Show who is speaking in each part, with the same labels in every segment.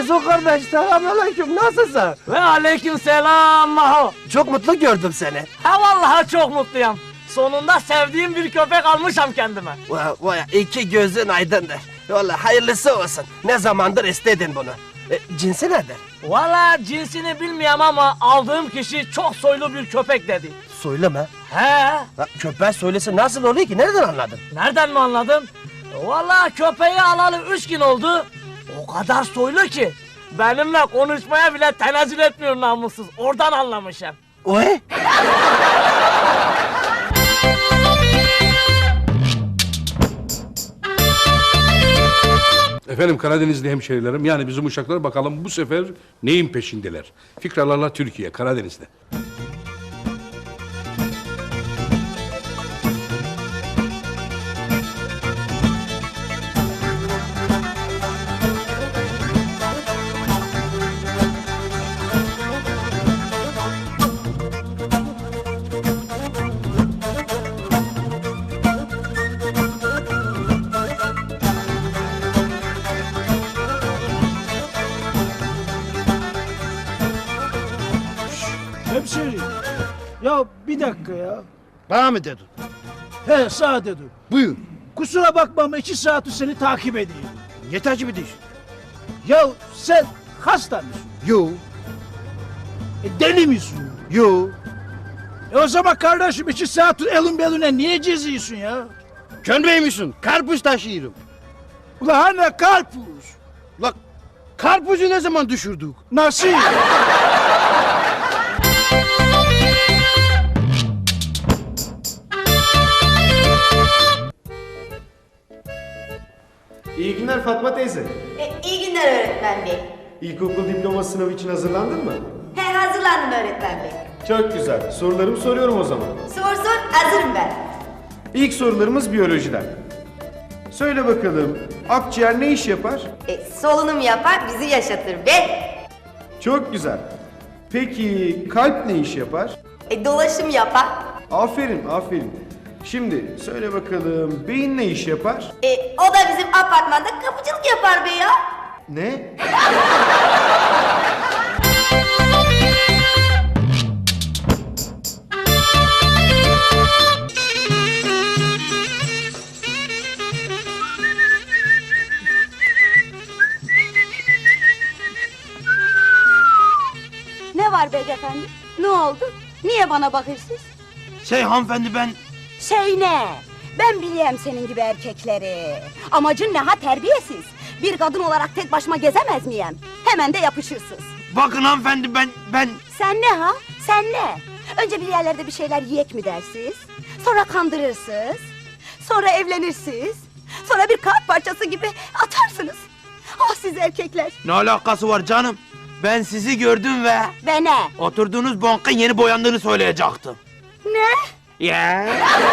Speaker 1: Muzo kardeş, selamünaleyküm, nasılsın?
Speaker 2: Ve aleyküm selam Maho.
Speaker 1: Çok mutlu gördüm seni.
Speaker 2: Ha vallahi çok mutluyum. Sonunda sevdiğim bir köpek almışam kendime.
Speaker 1: Vay, iki gözün aydındır. Vallahi hayırlısı olsun. Ne zamandır istedin bunu. Cinsi nedir?
Speaker 2: Vallahi cinsini bilmiyorum ama aldığım kişi çok soylu bir köpek dedi.
Speaker 1: Soylu mu?
Speaker 2: He?
Speaker 1: Köpeğin soylusu nasıl oluyor ki? Nereden anladın?
Speaker 2: Nereden mi anladın? Vallahi köpeği alalı 3 gün oldu. O kadar soylu ki benimle konuşmaya bile tenezzül etmiyor namussuz. Oradan anlamışım.
Speaker 1: Oy!
Speaker 3: Efendim Karadenizli hemşehrilerim, yani bizim uşaklar bakalım bu sefer neyin peşindeler? Fikralarla Türkiye, Karadeniz'de.
Speaker 4: Hemşerim, ya bir dakika ya.
Speaker 5: Bana mı dedin?
Speaker 4: He, sağ dedim.
Speaker 5: Buyur.
Speaker 4: Kusura bakma ama 2 saattir seni takip edeyim.
Speaker 5: Niye takip ediyorsun?
Speaker 4: Ya sen hasta mısın?
Speaker 5: Yo,
Speaker 4: Deli misin?
Speaker 5: yo.
Speaker 4: O zaman kardeşim 2 saattir elin beline niye geziyorsun ya?
Speaker 5: Könbey misin? Karpuz taşıyorum.
Speaker 4: Ulan hani karpuz?
Speaker 5: La karpuzu ne zaman düşürdük?
Speaker 4: Nasıl?
Speaker 6: İyi günler Fatma teyze.
Speaker 7: İyi günler öğretmen bey.
Speaker 6: İlkokul diploma sınavı için hazırlandın mı?
Speaker 7: He, hazırlandım öğretmen bey.
Speaker 6: Çok güzel. Sorularımı soruyorum o zaman.
Speaker 7: Sor, hazırım ben.
Speaker 6: İlk sorularımız biyolojiden. Söyle bakalım, akciğer ne iş yapar?
Speaker 7: Solunum yapar, bizi yaşatır be.
Speaker 6: Çok güzel. Peki kalp ne iş yapar?
Speaker 7: Dolaşım yapar.
Speaker 6: Aferin, aferin. Şimdi söyle bakalım, beyin ne iş yapar?
Speaker 7: O da bizim apartmanda kapıcılık yapar be ya.
Speaker 6: Ne?
Speaker 8: Ne var beyefendi? Ne oldu? Niye bana bakırsınız?
Speaker 5: Hanımefendi ben...
Speaker 8: Şey ne? Ben biliyorum senin gibi erkekleri. Amacın ne ha terbiyesiz? Bir kadın olarak tek başıma gezemez miyim? Hemen de yapışırsınız.
Speaker 5: Bakın hanımefendi ben...
Speaker 8: Sen ne ha? Sen ne? Önce bir yerlerde bir şeyler yiyek mi dersiniz? Sonra kandırırsınız. Sonra evlenirsiniz. Sonra bir kağıt parçası gibi atarsınız. Ah siz erkekler.
Speaker 5: Ne alakası var canım? Ben sizi gördüm ve...
Speaker 8: Ve ne?
Speaker 5: Oturduğunuz bankın yeni boyandığını söyleyecektim.
Speaker 8: Ne?
Speaker 5: Ya.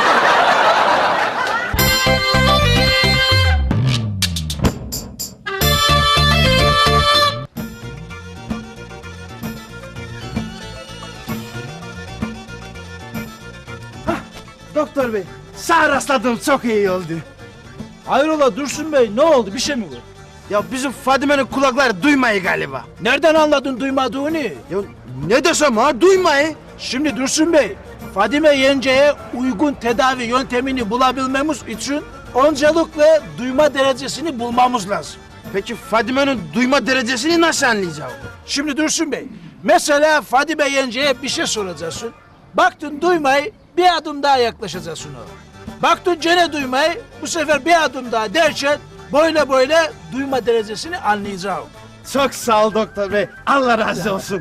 Speaker 4: Doktor bey.
Speaker 5: Sağ rastladım, çok iyi oldu.
Speaker 4: Hayrola Dursun bey, ne oldu? Bir şey mi var?
Speaker 5: Ya bizim Fadime'nin kulakları duymayı galiba.
Speaker 4: Nereden anladın duymadığını?
Speaker 5: Ya ne desem ha, duymayı.
Speaker 4: Şimdi Dursun bey, Fadime yengeye uygun tedavi yöntemini bulabilmemiz için öncelikle duyma derecesini bulmamız lazım.
Speaker 5: Peki Fadime'nin duyma derecesini nasıl anlayacağım?
Speaker 4: Şimdi Dursun bey, mesela Fadime yengeye bir şey soracaksın. Baktın duymayı, bir adım daha yaklaşacaksın ona. Baktın gene duymayı, bu sefer bir adım daha derken böyle duyma derecesini anlayacağım.
Speaker 5: Çok sağ ol doktor bey. Allah razı olsun.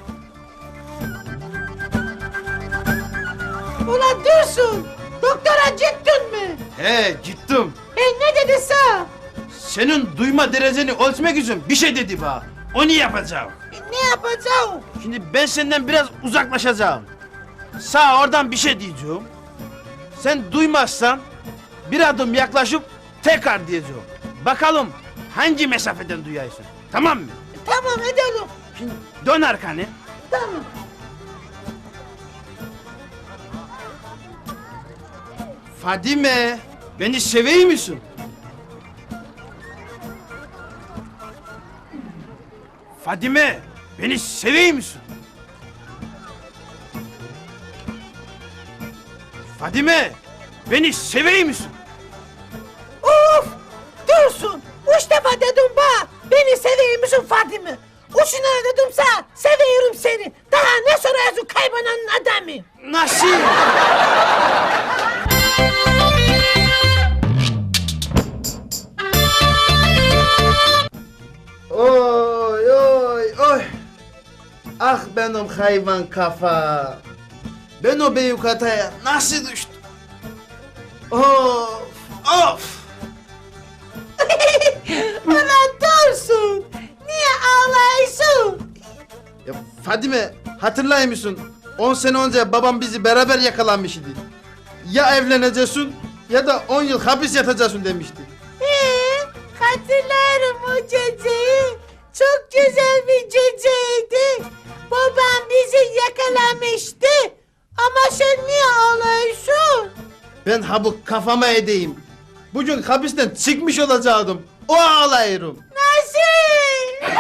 Speaker 9: Ulan Dursun! Doktora gittin mi?
Speaker 5: He gittim.
Speaker 9: Ne dedi sana?
Speaker 5: Senin duyma dereceni ölçmek için bir şey dedi bana. Onu yapacağım.
Speaker 9: Ne yapacağım?
Speaker 5: Şimdi ben senden biraz uzaklaşacağım. Sağ oradan bir şey diyeceğim. Sen duymazsan bir adım yaklaşıp tekrar diyeceğim. Bakalım hangi mesafeden duyarsın. Tamam mı?
Speaker 9: Tamam edelim.
Speaker 5: Şimdi dön arkanı.
Speaker 9: Tamam.
Speaker 5: Fadime, beni seviyor musun? Fadime, beni seviyor musun? Fadime, beni seviyor musun?
Speaker 9: Of! Dursun! Üç defa dedim bana. Beni seviyor musun Fadime? Uçuna dedimse seviyorum seni. Daha ne soruyorsun kaybolanın adamı?
Speaker 5: Nasıl? Oy oy oy. Ah benim hayvan kafa. Ben o büyük hataya nasıl düştüm? Of of.
Speaker 9: Ulan Dursun! Niye ağlıyorsun?
Speaker 5: Ya Fadime hatırlıyor musun? 10 sene önce babam bizi beraber yakalamıştı. Ya evleneceksin ya da 10 yıl hapis yatacaksın demişti.
Speaker 9: Hatırlarım o geceyi. Çok güzel bir geceydi. Babam bizi yakalamıştı. Ama sen niye ağlıyorsun?
Speaker 5: Ben ha bu kafama edeyim. Bugün hapisten çıkmış olacaktım. O ağlayırım.
Speaker 9: Nasıl?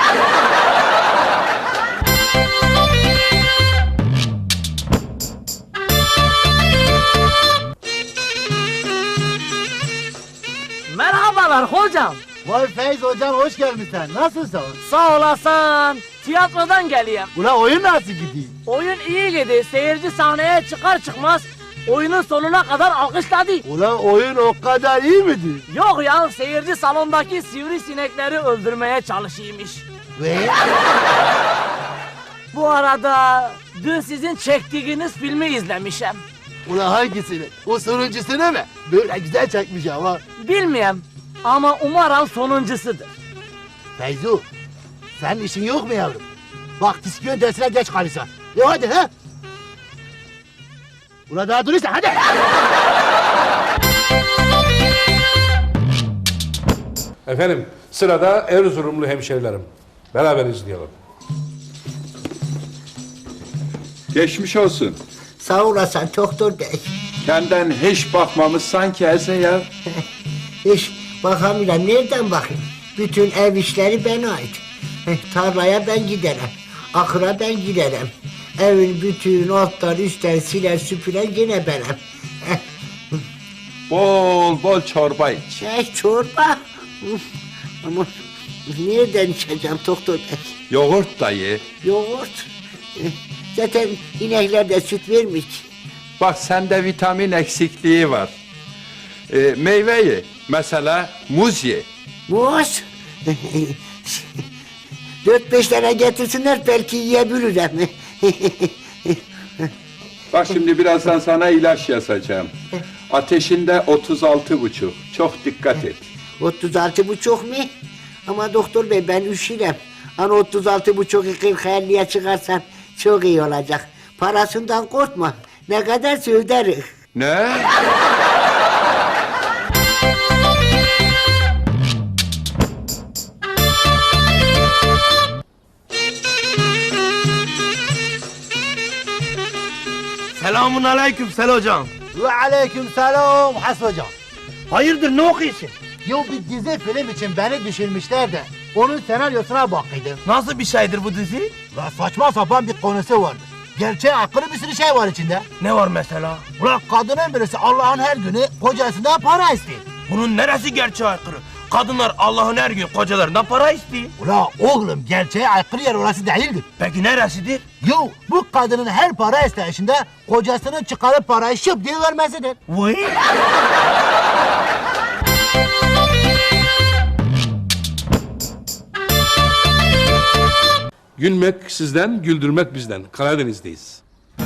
Speaker 2: Merhabalar hocam.
Speaker 10: Vay Feyz hocam hoş gelmişsin. Nasılsın?
Speaker 2: Sağ olasın. Tiyatrodan geliyorum.
Speaker 10: Ula oyun nasıl gidiyor?
Speaker 2: Oyun iyi gidiyor. Seyirci sahneye çıkar çıkmaz oyunun sonuna kadar alkışladı.
Speaker 10: Ula oyun o kadar iyi miydi?
Speaker 2: Yok ya, seyirci salondaki sivrisinekleri öldürmeye çalışıyormuş.
Speaker 10: Ve?
Speaker 2: Bu arada dün sizin çektiğiniz filmi izlemişim.
Speaker 10: Ula hangisini? O sonuncusunu mu? Böyle güzel çekmiş ama.
Speaker 2: Bilmiyorum ama umarım sonuncusudur.
Speaker 10: Feyzu, senin işin yok mu yavrum? Bak diskiyon dersine geç kalırsan. Hadi ha? Ula daha durursan hadi.
Speaker 3: Efendim sırada Erzurumlu hemşerilerim. Beraber izleyelim.
Speaker 11: Geçmiş olsun.
Speaker 10: Sağ olasın doktor bey.
Speaker 11: Senden hiç bakmamız sanki ese ya.
Speaker 10: Hiç bakamıyorum. Nereden bakayım? Bütün ev işleri bana ait. Tarlaya ben giderim. Ahıra ben giderim. Evin bütün alttan üstten siler süpüren gene benim.
Speaker 11: Bol bol çorba iç.
Speaker 10: Çorba. Ama nereden içeceğim doktor bey?
Speaker 11: Yoğurt da ye.
Speaker 10: Yoğurt. Zaten inekler de süt vermiyor ki.
Speaker 11: Bak sende vitamin eksikliği var. Meyve ye. Mesela muz ye.
Speaker 10: Muz. 4-5 tane getirsinler belki yiyebilirim.
Speaker 11: Bak şimdi birazdan sana ilaç yazacağım. Ateşinde 36,5. Çok dikkat et.
Speaker 10: 36,5 mu? Ama doktor bey ben üşürüm. Hani 36,5'u 40-50'ye çıkarsan çok iyi olacak. Parasından korkma. Ne kadar öderiz.
Speaker 11: Ne?
Speaker 1: Selamun aleyküm Sel hocam.
Speaker 10: Ve aleyküm selam Has hocam.
Speaker 1: Hayırdır ne okuyorsun?
Speaker 10: Yo bir dizi film için beni düşünmüşler de onun senaryosuna bakıyordum.
Speaker 1: Nasıl bir şeydir bu dizi?
Speaker 10: La saçma sapan bir konusu vardı. Gerçeğe aykırı bir sürü şey var içinde.
Speaker 1: Ne var mesela?
Speaker 10: Ulan kadının birisi Allah'ın her günü kocasından para istiyor.
Speaker 1: Bunun neresi gerçeğe aykırı? Kadınlar Allah'ın her gün kocalarından para istiyor.
Speaker 10: Ula oğlum gerçeğe aykırı yer orası değildir.
Speaker 1: Peki neresidir?
Speaker 10: Yo bu kadının her para isteyişinde kocasının çıkarıp parayı şıp diye vermesidir.
Speaker 1: Vay.
Speaker 3: Gülmek sizden, güldürmek bizden. Karadeniz'deyiz.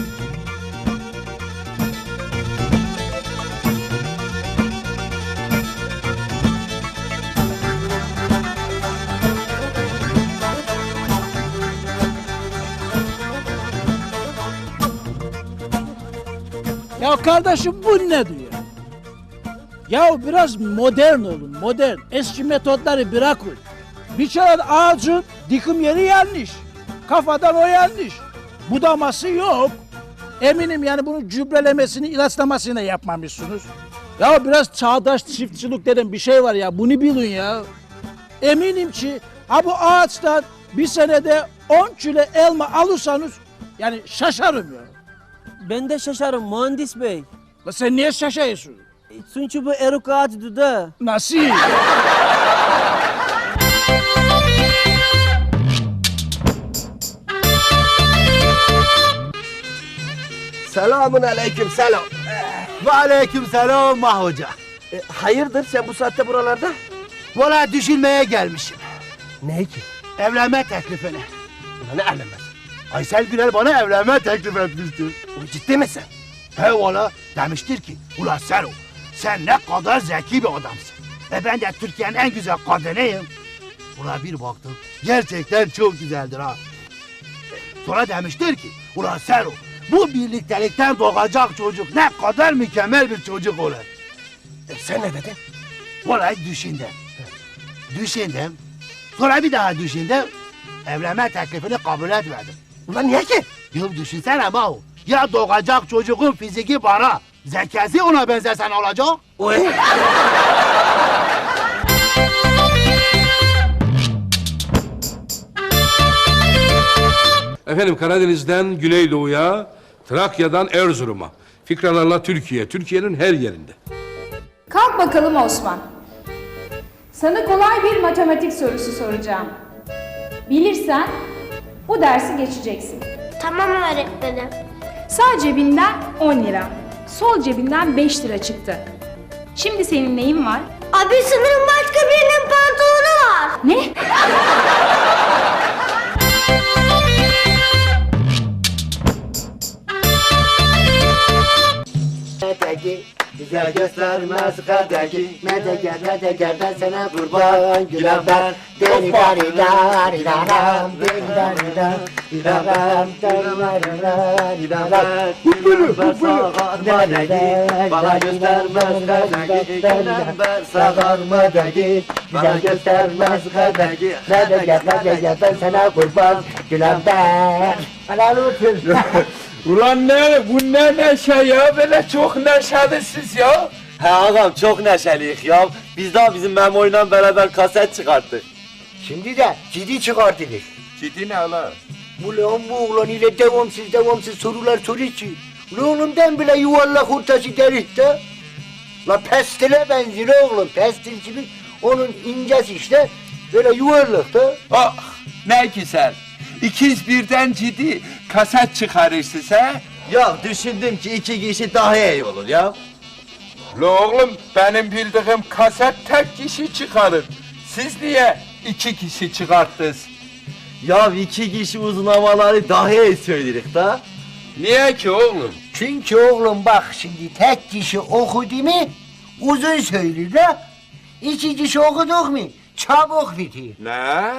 Speaker 4: Ya kardeşim bu ne diyor? Ya biraz modern olun, modern. Eski metotları bırakın. Bir kere ağacın dikim yeri yanlış. Kafadan o yanlış. Budaması yok. Eminim yani bunun gübrelemesini, ilaçlamasını yapmamışsınız. Ya biraz çağdaş çiftçilik dedim bir şey var ya, bunu bilin ya. Eminim ki ha bu ağaçtan bir senede 10 kilo elma alırsanız yani şaşarım ya.
Speaker 12: Ben de şaşarım mühendis bey.
Speaker 4: La sen niye şaşıyorsun?
Speaker 12: Çünkü bu eruk ağacıdır da.
Speaker 4: Nasıl?
Speaker 1: Selamun aleyküm selam.
Speaker 5: Ve aleyküm selam Mahoca.
Speaker 1: Hayırdır sen bu saatte buralarda?
Speaker 5: Valla düşünmeye gelmişim.
Speaker 1: Ne ki?
Speaker 5: Evlenme teklifini.
Speaker 1: Ulan ne evlenmez?
Speaker 5: Aysel Gürel bana evlenme teklif etmiştir.
Speaker 1: Ciddi misin?
Speaker 5: He valla demiştir ki ulan Sero sen ne kadar zeki bir adamsın. Ben de Türkiye'nin en güzel kadınıyım. Ulan bir baktım gerçekten çok güzeldir ha. Sonra demiştir ki ulan Sero bu birliktelikten doğacak çocuk ne kadar mükemmel bir çocuk olur.
Speaker 1: Sen ne dedin?
Speaker 5: Vallahi düşündüm. Düşündüm. Sonra bir daha düşündüm. Evlenme teklifini kabul etmedim.
Speaker 1: Ulan niye ki?
Speaker 5: Ya düşünsene Mahu. Ya doğacak çocuğun fiziki bana, zekası ona benzersen olacak.
Speaker 1: Oy.
Speaker 3: Efendim Karadeniz'den Güneydoğu'ya, Trakya'dan Erzurum'a. Fikralarla Türkiye, Türkiye'nin her yerinde.
Speaker 13: Kalk bakalım Osman. Sana kolay bir matematik sorusu soracağım. Bilirsen bu dersi geçeceksin.
Speaker 7: Tamam öğretmenim.
Speaker 13: Sağ cebinden 10 lira, sol cebinden 5 lira çıktı. Şimdi senin neyin var?
Speaker 7: Abi sanırım başka birinin pantolonu var.
Speaker 13: Ne?
Speaker 10: Güzel göstermez kadeki Medeger ben sana kurban Gülen ben Deni dari dari daram Deni dari dari daram Deni dari dari daram Bana göstermez kadeki Gülen ben sağarma deki Güzel göstermez kadeki Medeger ben sana kurban Gülen ben Helal olsun.
Speaker 11: Ulan bu ne neşe ya, böyle çok neşelisiniz ya.
Speaker 14: He ağam çok neşeliyiz ya. Biz daha bizim Memo'yla beraber kaset çıkarttık.
Speaker 10: Şimdi de ciddi çıkartılır.
Speaker 11: Ciddi ne ala?
Speaker 10: Ulan bu oğlan ile devamsız sorular soruyor ki. Ulan oğlumdan bile yuvarlak ortası delik de. La pestile benziyor oğlum, pestil gibi. Onun incesi işte, böyle yuvarlak da.
Speaker 11: Ah ne güzel. İkiz birden ciddi kaset çıkarırsınız he?
Speaker 14: Ya düşündüm ki 2 kişi daha iyi olur ya.
Speaker 11: La oğlum benim bildiğim kaset tek kişi çıkarır. Siz niye 2 kişi çıkarttınız?
Speaker 14: Ya 2 kişi uzun havaları daha iyi söyleriz da.
Speaker 11: Niye ki oğlum?
Speaker 10: Çünkü oğlum bak şimdi tek kişi okudu mu uzun söylüyor da. 2 kişi okuduk mu çabuk bitiyor.
Speaker 11: Ne?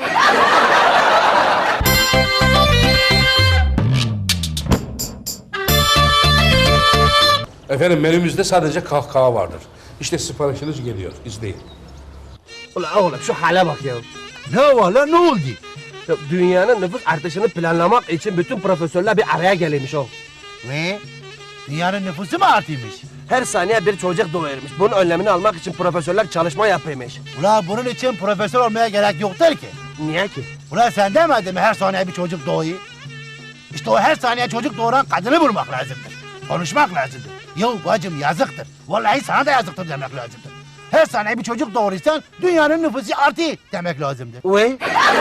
Speaker 3: Efendim menümüzde sadece kahkaha vardır. İşte siparişiniz geliyor, izleyin.
Speaker 1: Ulan oğlum şu hale bak ya.
Speaker 5: Ne var lan ne oldu?
Speaker 1: Ya, dünyanın nüfus artışını planlamak için bütün profesörler bir araya gelmiş o.
Speaker 5: Ne? Dünyanın nüfusu mu artıymış?
Speaker 1: Her saniye bir çocuk doğuyormuş. Bunun önlemini almak için profesörler çalışma yapıyormuş.
Speaker 5: Ulan bunun için profesör olmaya gerek yoktur ki.
Speaker 1: Niye ki?
Speaker 5: Ulan sen demedin mi her saniye bir çocuk doğuyor? İşte o her saniye çocuk doğuran kadını vurmak lazımdır. Konuşmak lazımdır. Yo bacım yazıktır. Vallahi sana da yazıktır demek lazımdır. Her saniye bir çocuk doğurursan dünyanın nüfusu artıyor demek lazımdır.
Speaker 1: Uy.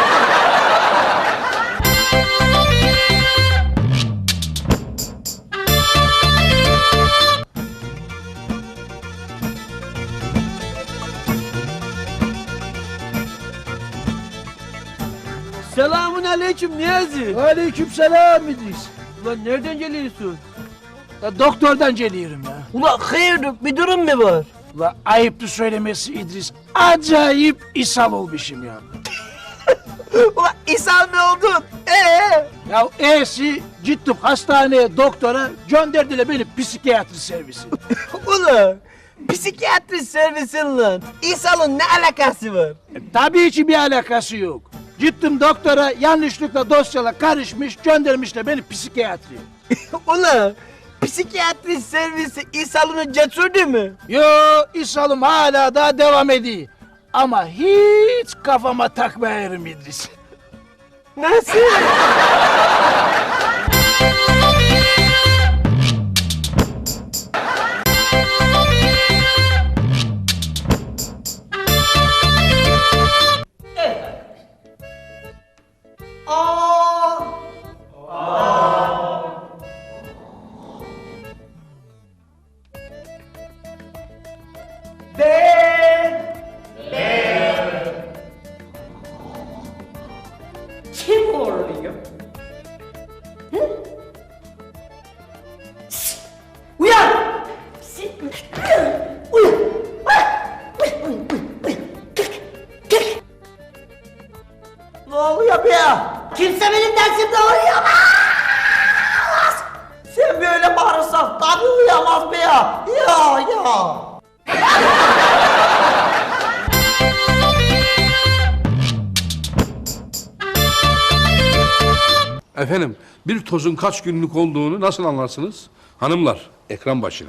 Speaker 12: Selamun aleyküm Niyazi.
Speaker 4: Aleykümselam İdris.
Speaker 12: Ulan nereden geliyorsun?
Speaker 4: Ya doktordan geliyorum ya.
Speaker 12: Ulan hayırdır bir durum mu var?
Speaker 4: La ayıptı söylemesi İdris. Acayip ishal olmuşum ya.
Speaker 12: Ulan ishal mi oldun?
Speaker 4: Ya gittim hastaneye doktora gönderdiler beni psikiyatri servisi.
Speaker 12: Ulan psikiyatri servisin lan. İshal'ın ne alakası var?
Speaker 4: Tabii ki bir alakası yok. Gittim doktora yanlışlıkla dosyalar karışmış göndermişler beni psikiyatriye.
Speaker 12: Ulan psikiyatri servisi İshal'ını götürdü mü?
Speaker 4: Yo ishalım hala daha devam ediyor. Ama hiç kafama takmayarım İdris.
Speaker 12: Nasıl?
Speaker 9: Kim horluyor? Uyan! Uyan! Ne oluyor be ya? Kimse benim dersimde uyuyamaz! Sen böyle bağırırsan tabii uyuyamaz be ya! Ya!
Speaker 3: Efendim, bir tozun kaç günlük olduğunu nasıl anlarsınız? Hanımlar, ekran başına.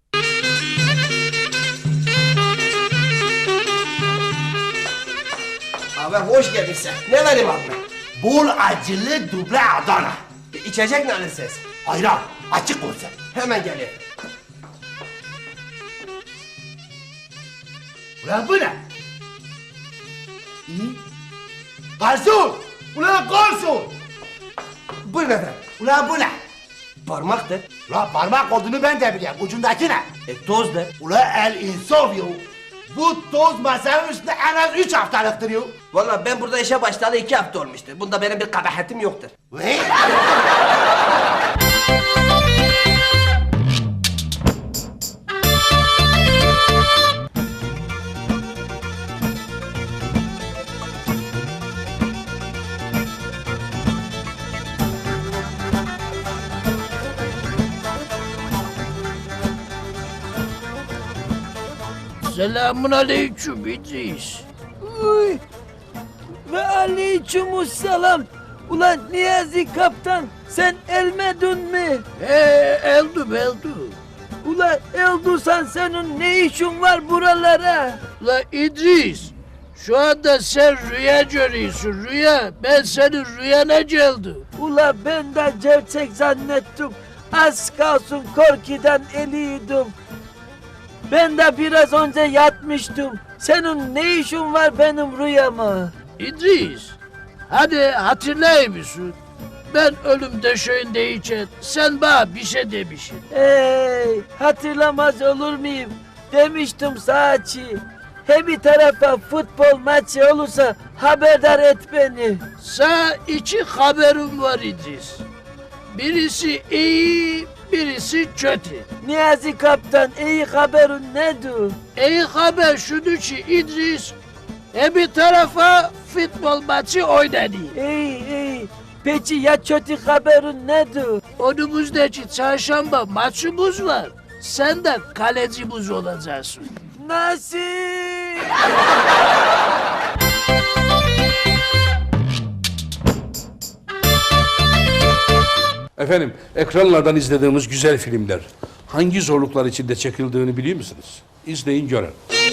Speaker 1: Abi hoş geldin. Ne vereyim abi?
Speaker 15: Bol acılı duble Adana.
Speaker 1: İçecek ne alırsınız?
Speaker 15: Ayran, açık olsun.
Speaker 1: Hemen geliyor.
Speaker 15: Ulan bu ne? İyi. Garson! Ulan garson!
Speaker 1: Buyurun efendim.
Speaker 15: Ulan bu ne?
Speaker 1: Parmaktır.
Speaker 15: Ulan parmak olduğunu ben de biliyorum. Ucundaki ne?
Speaker 1: Tozdur.
Speaker 15: Ulan el insaf yo. Bu toz masanın üstünde en az 3 haftalıktır yo.
Speaker 1: Vallahi ben burada işe başlayalı 2 hafta olmuştur. Bunda benim bir kabahatim yoktur.
Speaker 15: Ve?
Speaker 4: Selamun aleyküm İdris.
Speaker 2: Uy. Ve aleykümselam. Ulan Niyazi kaptan sen elmedin mi?
Speaker 4: Eldüm.
Speaker 2: Ulan eldursan senin ne işin var buralara?
Speaker 4: La İdris, şu anda sen rüya görüyorsun rüya. Ben senin rüyana geldim.
Speaker 2: Ula ben de gerçek zannettim. Az kalsın korkudan eliydim. Ben de biraz önce yatmıştım. Senin ne işin var benim rüyama?
Speaker 4: İdris, hadi hatırlayır mısın? Ben ölüm döşeğindeyken sen bana bir şey demişsin.
Speaker 2: Hatırlamaz olur muyum? Demiştim saçı. He bir tarafa futbol maçı olursa haberdar et beni.
Speaker 4: Sana 2 haberim var İdris. Birisi iyi, birisi kötü.
Speaker 2: Niyazi kaptan iyi haberin nedir?
Speaker 4: İyi haber şudur ki İdris, bir tarafa futbol maçı oynadı.
Speaker 2: İyi. Peki ya kötü haberin nedir?
Speaker 4: Önümüzdeki çarşamba maçımız var. Sen de kalecimiz olacaksın.
Speaker 2: Nasıl?
Speaker 3: Efendim, ekranlardan izlediğimiz güzel filmler hangi zorluklar içinde çekildiğini biliyor musunuz? İzleyin görün.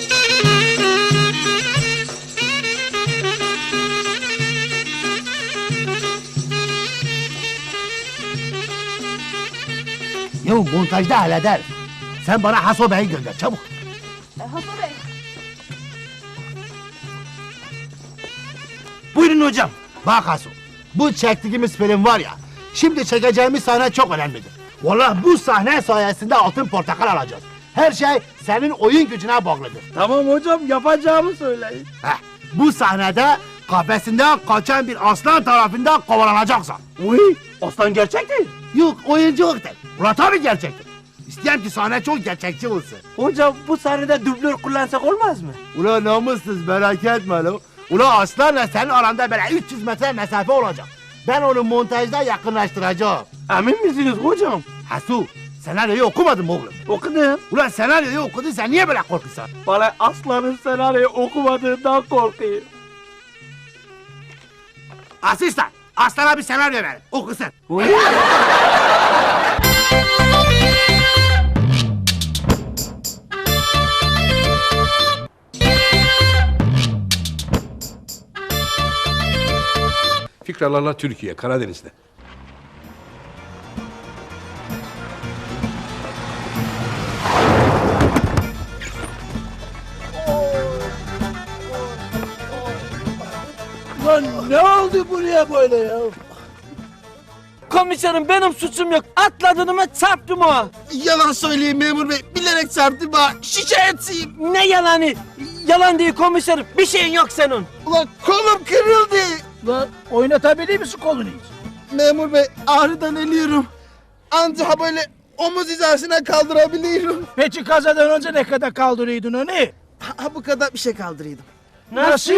Speaker 15: Ya montajda halleder. Sen bana Haso Bey'i gönder çabuk.
Speaker 8: Hasan Bey.
Speaker 15: Buyurun hocam. Bak Haso, bu çektiğimiz film var ya, şimdi çekeceğimiz sahne çok önemlidir. Vallahi bu sahne sayesinde altın portakal alacağız. Her şey senin oyun gücüne bağlıdır.
Speaker 12: Tamam hocam yapacağımı söyleyin.
Speaker 15: Bu sahnede kafesinden kaçan bir aslan tarafından kovalanacaksın.
Speaker 12: Uy, aslan gerçek değil.
Speaker 15: Yok, oyunculuk değil. Ulan tabii gerçektir. İsteyen ki sahne çok gerçekçi olsun.
Speaker 12: Hocam bu sahnede dublör kullansak olmaz mı?
Speaker 15: Ulan namussuz, merak etme lan. Ulan aslanla senin aranda böyle 300 metre mesafe olacak. Ben onu montajda yakınlaştıracağım.
Speaker 12: Emin misiniz hocam?
Speaker 15: Hasu, senaryoyu okumadın mı oğlum?
Speaker 12: Okudum.
Speaker 15: Ulan senaryoyu okudun, sen niye böyle korkuyorsun?
Speaker 12: Bana aslanın senaryoyu okumadığından korkuyorum.
Speaker 15: Asistan, aslana bir senaryo ver, okusun.
Speaker 3: Fikralarla Türkiye, Karadeniz'de.
Speaker 4: Lan ne oldu buraya böyle ya?
Speaker 2: Komiserim benim suçum yok. Atladım ve çarptım o.
Speaker 5: Yalan söyleyeyim memur bey. Bilerek çarptım ha. Şikayetçiyim.
Speaker 2: Ne yalanı? Yalan değil komiserim. Bir şeyin yok senin.
Speaker 5: Ulan kolum kırıldı.
Speaker 4: Lan oynatabilir misin kolunu hiç?
Speaker 5: Memur bey ağrıdan ölüyorum. Anca böyle omuz hizasına kaldırabiliyorum.
Speaker 4: Peki kazadan önce ne kadar kaldırıyordun onu?
Speaker 5: Ha bu kadar bir şey kaldırıyordum.
Speaker 4: Nasıl?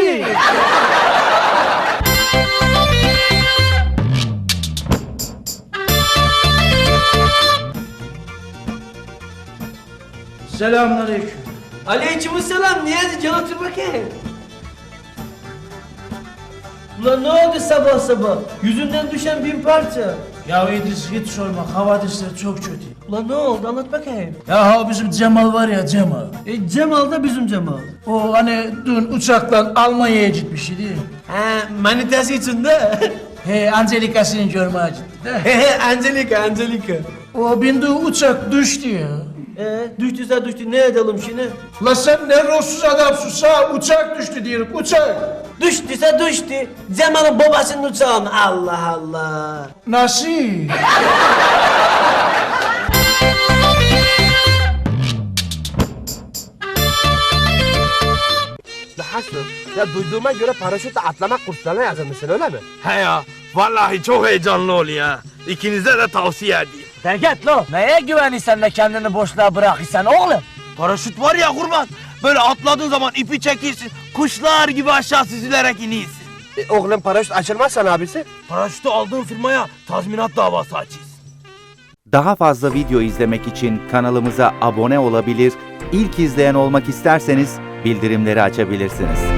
Speaker 4: Selamünaleyküm.
Speaker 2: Aleykümselam Niyazi can otur bakayım. Ulan ne oldu sabah sabah? Yüzünden düşen 1000 parça.
Speaker 4: Ya İdris hiç sorma havadisler çok kötü.
Speaker 2: Ulan ne oldu anlat bakayım.
Speaker 4: Ya o bizim Cemal var ya Cemal.
Speaker 2: Cemal da bizim Cemal.
Speaker 4: O hani dün uçakla Almanya'ya gitmiş idi.
Speaker 2: He manitası için de.
Speaker 4: He Angelika'sını görmeye gitti de.
Speaker 2: He Angelika.
Speaker 4: O bindiği uçak düştü ya.
Speaker 2: Düştüyse düştü ne edelim şimdi?
Speaker 4: La sen ne ruhsuz adamsın sağ uçak düştü diyorum uçak.
Speaker 2: Düştüyse düştü. Cemal'ın babasının uçağın. Allah Allah.
Speaker 4: Nasıl?
Speaker 1: Hasan, ya duyduğuma göre paraşütle atlama kurslarına yazılmışsın öyle mi?
Speaker 5: He ya. Vallahi çok heyecanlı oluyor ya. İkinize de tavsiye edeyim.
Speaker 2: Derget lo. Neye güvenirsen de kendini boşluğa bırakırsan oğlum?
Speaker 5: Paraşüt var ya kurban. Böyle atladığın zaman ipi çekirsin. Kuşlar gibi aşağı süzülerek iniyorsun.
Speaker 1: Oğlum paraşüt açılmazsan abisi?
Speaker 5: Paraşütü aldığın firmaya tazminat davası açıyorsun.
Speaker 16: Daha fazla video izlemek için kanalımıza abone olabilir, ilk izleyen olmak isterseniz bildirimleri açabilirsiniz.